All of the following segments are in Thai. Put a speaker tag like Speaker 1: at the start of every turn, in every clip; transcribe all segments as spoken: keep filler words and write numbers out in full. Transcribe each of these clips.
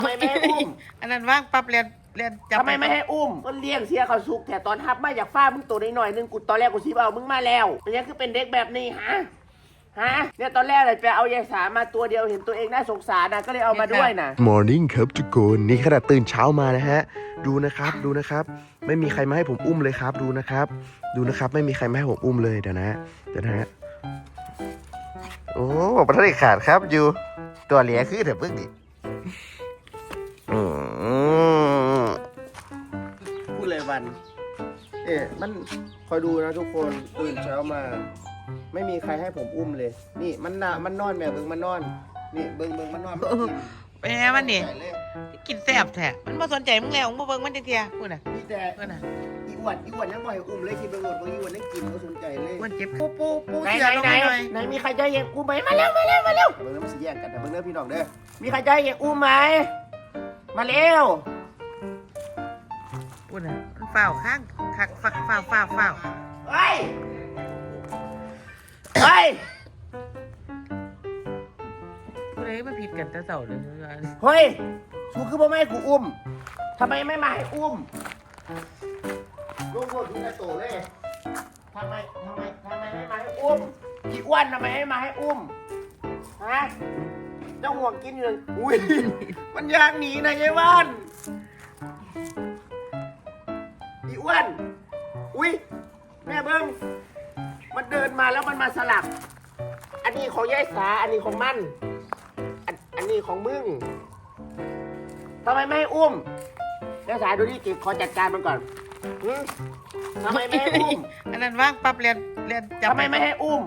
Speaker 1: ทำไมไม่ให้อุ้ม
Speaker 2: อันนั้นว่างปั๊บเรียนเรียนจับ
Speaker 1: ทำไมไม่ให้อุ้มก็เลี้ยงเสียเขาสุกแต่ตอนทับมาอยากฟ้ามึงตัวน้อยหน่อยนึงกูตอนแรกกูซีบเอามึงมาแล้วมันยังคือเป็นเด็กแบบนี้ฮะฮะเนี่ยตอนแรกเลยไปเอายายสามาตัวเดียวเห็นตัวเองน่าสงสารนะก็เลยเอามาด้วยนะ
Speaker 3: Morning ครับทุกคนนี่ขนาดตื่นเช้ามานะฮะดูนะครับดูนะครับไม่มีใครมาให้ผมอุ้มเลยครับดูนะครับดูนะครับไม่มีใครมาให้ผมอุ้มเลยเดี๋ยวนะเดี๋ยวนะฮะโอ้ประทัดขาดครับอยู่ตัวเหลียคือเถอะเพิ่งดิพูดเลยวันเอ๊ะมันคอยดูนะทุกคนตื่นเช้ามาไม่มีใครให้ผมอุ้มเลยนี่มันน่ะมันนอนแบบเบิ้งมันนอนนี่เบิ้งเบิ้งมันนอนมันกิน
Speaker 2: แม่มันนี่กินแซ่บแท้มันมาสนใจมึงแล้วมึงมาเบิ่งมันจังเทียพูดน่ะ
Speaker 1: นี่แต่
Speaker 2: พูดน่ะ
Speaker 1: อีอ้วนอีอ้วนยังบ่อยอุ้มเลยคิดไปหมดว่าอีอ้วนนั่งกินเขาสนใจเลย
Speaker 2: มันเจ็บปูปูปู
Speaker 1: ไหน
Speaker 2: เสี
Speaker 1: ไหน ไหน
Speaker 2: ยลงหน่อย
Speaker 1: ไหนมีใครจะให้เองอุ้มไหมมาเร็วมาเร็วมาเร็วเบิ้งแล้วมันสิแย่งกันแต่เบิ้งเรื่องพี่น้องเด้อมีใครจะให้เองอุ้มไหมมาเร็ว
Speaker 2: พูดน่ะมันฝ้าวข้างคักฟักฝ้าวฝ้าวฝ้าว
Speaker 1: เฮ้ยเฮ้ย
Speaker 2: พูดเลยมันผิดกันแต่เสาเลย
Speaker 1: เฮ้ยสูคือพ่อแม่ให้กูอุ้มทำไมไม่มาให้อุ้มลูกพวกนี้จะโตเลยทำไมทำไมทำไมไม่มาให้อุ้มอีอ้วนทำไมไม่มาให้อุ้มฮะเจ้าห่วงกินอยู่เลยอุ้ยมันยากหนีนะยายวันอีอ้วนอุ้ยแม่เบิ้งมันเดินมาแล้วมันมาสลับอันนี้ของยายสาอันนี้ของมันอันอันนี้ของมึงทำไมไม่ให้อุ้มยายสาดูดิกิบขอจัดการมันก่อนหึทำไมไม่ให้อุ้ม
Speaker 2: อันนั้นว่างปั๊บเรียนเรียนจับ
Speaker 1: ทำไมไม่ให้อุ้ม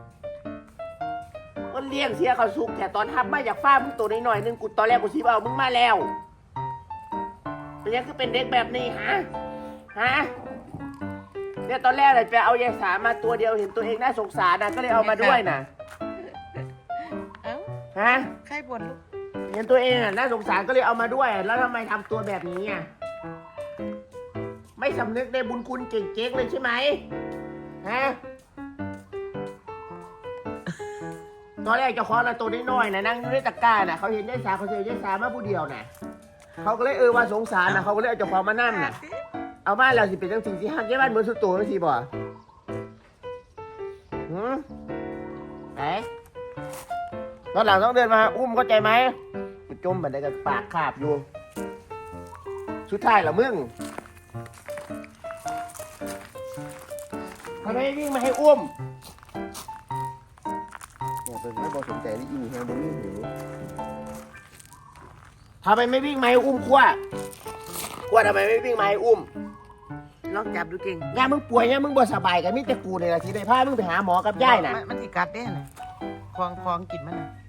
Speaker 1: ก็เลี้ยงเสียเขาสุกแต่ตอนทับมาอยากฟ้ามึงตัวน้อยหน่อยนึงกูตอนแรกกูซีบเอามึงมาแล้วมันยังคือเป็นเด็กแบบนี้ฮะฮะเนี่ยตอนแรกเลยไปเอายายสามาตัวเดียวเห็นตัวเองน่าสงสารนะก็เลยเอามาด้วยนะ
Speaker 2: เอ้า
Speaker 1: ฮะ
Speaker 2: ใครบ่นลูก
Speaker 1: เห็นตัวเองอ่ะน่าสงสารก็เลยเอามาด้วย แล้วทำไมทำตัวแบบนี้อ่ะไม่สำนึกในบุญคุณเก่งๆเลยใช่ไหมฮะตอนแรกเจะคอละตัวน้อยๆนะนั่งอยู่ในตะกร้าน่ะเขาเห็นยายสาเขาเจอยายสามาผู้เดียวน่ะเขาก็เลยเออว่าสงสารนะเขาก็เลยเอาเจ้าของมานั่งน่ะเอาบ้านเราสิเป็นจังสี่สิห้ามยายบ้านเหมือนสุดโต่งจังสี่บ่หืมไหนตอนหลังต้องเดินมาอุ้มเข้าใจไหมจมบันไดกับปากขาบอยู่สุดท้ายละมึงทำไมวิ่งมาให้อุ้มเนี่ยเป็นไม่พอสนใจนี่อีนี่แฮงบนนี่หิวทำไมไม่วิ่งมาให้อุ้มขั้วขั้วทำไมไม่วิ่งมาให้อุ้ม
Speaker 2: ลองจับดูเก่ง
Speaker 1: ย่ามึงป่วยย่ามึงบ่สบายกันมิแต่กูเนี่ยละสิได้พามึงไปหาหมอกับย่ายน่ะ
Speaker 2: มันมันสิกัดได้น่ะคลองคลองกินมันน่ะ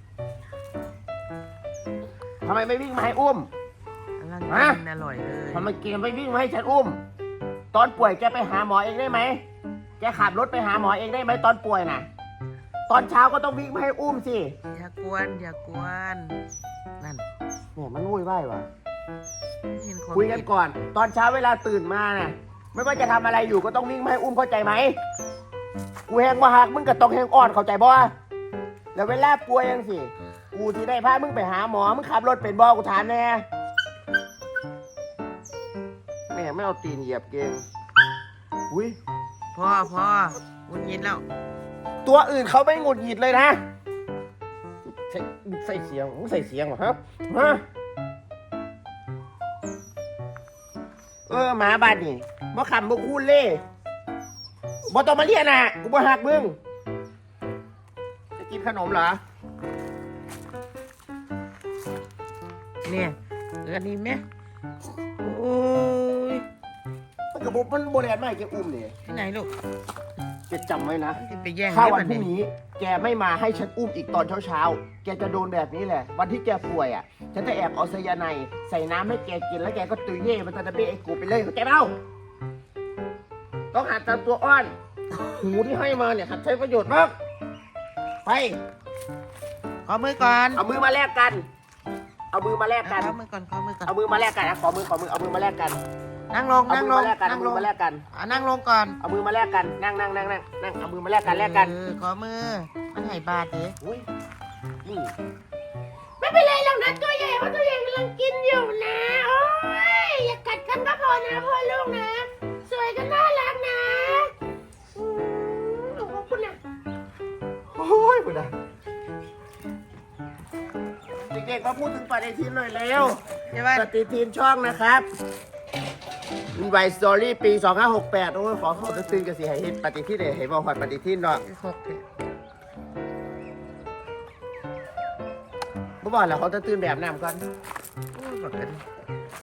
Speaker 1: ทำไมไม่วิ่งมาให้อุ้ม
Speaker 2: อันนั้น
Speaker 1: ฮะ
Speaker 2: กินอร่อยเลย
Speaker 1: ทำไมแกไม่วิ่งมาให้ฉันอุ้ม ตอนป่วยแกไปหาหมอเองได้ไหมแกขับรถไปหาหมอเองได้ไหมตอนป่วยน่ะ ตอนเช้าก็ต้องวิ่งมาให้อุ้มสิ
Speaker 2: อย่ากวนอย่ากวนนั่น
Speaker 1: เนี่ยมันวุ่นวายว่ะ
Speaker 2: เห็น
Speaker 1: คุยกันก่อน ตอนเช้าเวลาตื่นมาน่ะ ไม่ว่าจะทำอะไรอยู่ก็ต้องวิ่งมาให้อุ้มเข้าใจไหมกูแหงว่าหักมึงก็ต้องแหงอ่อนเข้าใจบ่แล้วเวลาป่วยยังสิกูที่ได้พามึงไปหาหมอมึงขับรถเป็นบ่กูถามแน่แม่ไม่เอาตีนเหยียบเกงอุ้ย
Speaker 2: พ่อพ่อวุ่นยินแล้ว
Speaker 1: ตัวอื่นเขาไม่หงุดหงิดเลยนะใส่ใส่เสียงมึงใส่เสียงเหรอครับฮะเออหมาบ้านนี่บ่ขำบ่คูนเล่บ่ต้องมาเรียกนะกูบ่หักมึงจะกินขนมเหรอ
Speaker 2: เนี่ยอันนี้ไหมโอ้ย
Speaker 1: มันกับมันโบราณมากแกอุ้มเนี่ย
Speaker 2: ที่ไหนลูก
Speaker 1: แกจำไว้นะ
Speaker 2: ไปแย่ง
Speaker 1: ถ้า
Speaker 2: ได้
Speaker 1: วัน
Speaker 2: ปะ
Speaker 1: พรุ่ง
Speaker 2: เนี่ย
Speaker 1: นี้ แกไม่มาให้ฉันอุ้มอีกตอนเช้าๆแกจะโดนแบบนี้แหละ วันที่แกป่วยอ่ะฉันจะแอบเอาไซยาไนด์ใส่น้ำให้แกกินแล้วแกก็ตุยเย่มันจะเบ้ไอ้กูไปเลยเข้าใจเปล่าต้องหัดตามตัวอ้อนหูที่ให้มาเนี่ยหัดใช้ประโยชน์มากไป
Speaker 2: ขอมือก่อน
Speaker 1: เอามือมาแลกกัน เอามือมาแลกกัน
Speaker 2: ขอมือก่อนขอมือก่อน
Speaker 1: เอามือมาแลกกันอ่ะขอมือขอมือเอามือมาแลกกัน
Speaker 2: นั่งลง
Speaker 1: เอา
Speaker 2: นั่ง
Speaker 1: มื
Speaker 2: ล
Speaker 1: อง มาแลกกัน
Speaker 2: นั่
Speaker 1: เอา
Speaker 2: ง
Speaker 1: มื
Speaker 2: ล
Speaker 1: อง มาแลกกัน
Speaker 2: อ่ะนั่งลงก่อน
Speaker 1: เอามือมาแลกกันนั่งนั่งนั่งนั่งนั่งเอามือมาแลกกันแลกกัน
Speaker 2: เออขอมือมันให้บาทดิ
Speaker 1: อุ้ยนี่แม่ไม่เป็นไรหรอกนะตัวใหญ่เพราะตัวใหญ่กำลังกินอยู่นะโอ้ยอย่ากัดกันก็พอนะพ่อลูกนะสวยก็น่ารักนะอืมขอบคุณนะ
Speaker 3: โอ้ยคุณอะ
Speaker 1: เด็กๆมาพูดถึงปฏิทินหน่อยเร็ว
Speaker 2: ใช่ไหม
Speaker 1: ปฏิทินช่องนะครับไวสตอรี่ปีสองห้าหกแปดโอ้ยขอเขาจะตื่นกันสิให้เห็นปฏิทินเลยให้บอกหอดปฏิทินเนาะ
Speaker 2: หกเนี่ย
Speaker 1: บ่บอกแล้วเขาจะตื่นแบบน้ำก่อน
Speaker 2: โอ้ยบอกกัน